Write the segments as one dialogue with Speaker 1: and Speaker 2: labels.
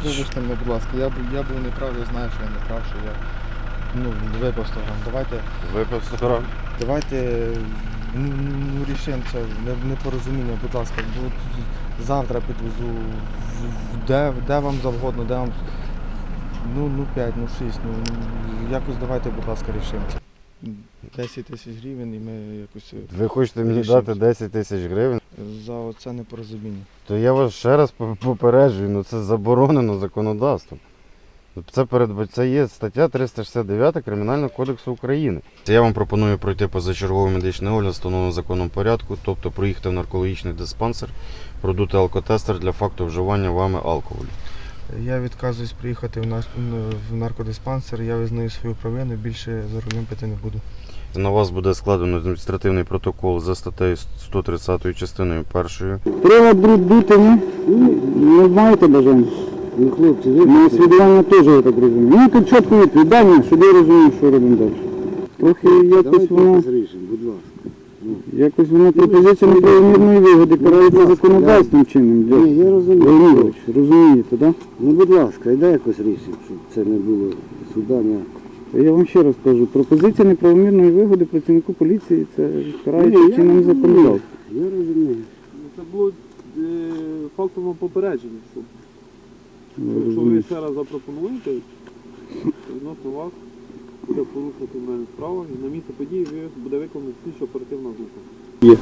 Speaker 1: Вибачте мене, будь ласка, я був неправ, я знаю, що я не прав, що я випав 100 грам.
Speaker 2: Випив 100 грам.
Speaker 1: Давайте рішимо це непорозуміння, будь ласка. Завтра підвезу, де вам завгодно, де вам 5, 6, якось давайте, будь ласка, рішимо це. 10 тисяч гривень і ми якось...
Speaker 2: Ви хочете мені дати 10 тисяч гривень?
Speaker 1: За оце непорозуміння.
Speaker 2: То я вас ще раз попереджую, це заборонено законодавством. Це є стаття 369 Кримінального кодексу України. Я вам пропоную пройти позачерговий медичний огляд, встановлений законом порядку, тобто проїхати в наркологічний диспансер, продути алкотестер для факту вживання вами алкоголю.
Speaker 1: Я відказуюсь приїхати в наркодиспансер, я визнаю свою провину, більше за рулем пити не буду.
Speaker 2: На вас буде складено адміністративний протокол за статтею 130 частиною 1.
Speaker 3: Привод бути, не маєте бажання?
Speaker 4: Ну, хлопці,
Speaker 3: На освітлення теж, я так розумію. Ну, тут чітко відповідання, щоб я розумів, що робимо далі. Трохи якось воно,
Speaker 4: рішимо, будь ласка.
Speaker 3: пропозиція неправомірної вигоди карається законодавством чинним.
Speaker 4: Ні, я розумію.
Speaker 3: Леонідович, розумієте, так?
Speaker 4: Ну, будь ласка, йде якось рішимо, щоб це не було судання.
Speaker 3: Я вам ще раз кажу, пропозиція неправомірної вигоди працівнику поліції, це карається чинним законодавством.
Speaker 4: Я розумію.
Speaker 5: Це було фактом попередження. Якщо ви ще раз запропонуєте, відносно вас буде порушена кримінальна справа і на місце події буде виконана слідчо-оперативна група.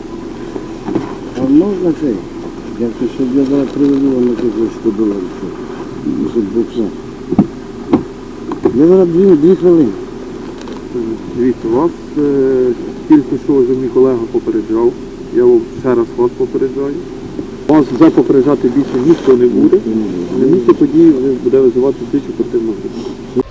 Speaker 4: А можна це? Щоб я зараз приведу вам якусь 100 доларів. Щоб бокса. Я зараз 2 хвилини.
Speaker 5: Дивіться, вас тільки що вже мій колега попереджав. Я вам ще раз вас попереджаю. Вас вже попереджати більше ніхто не буде. На місце події буде визивати слідчо-оперативна група.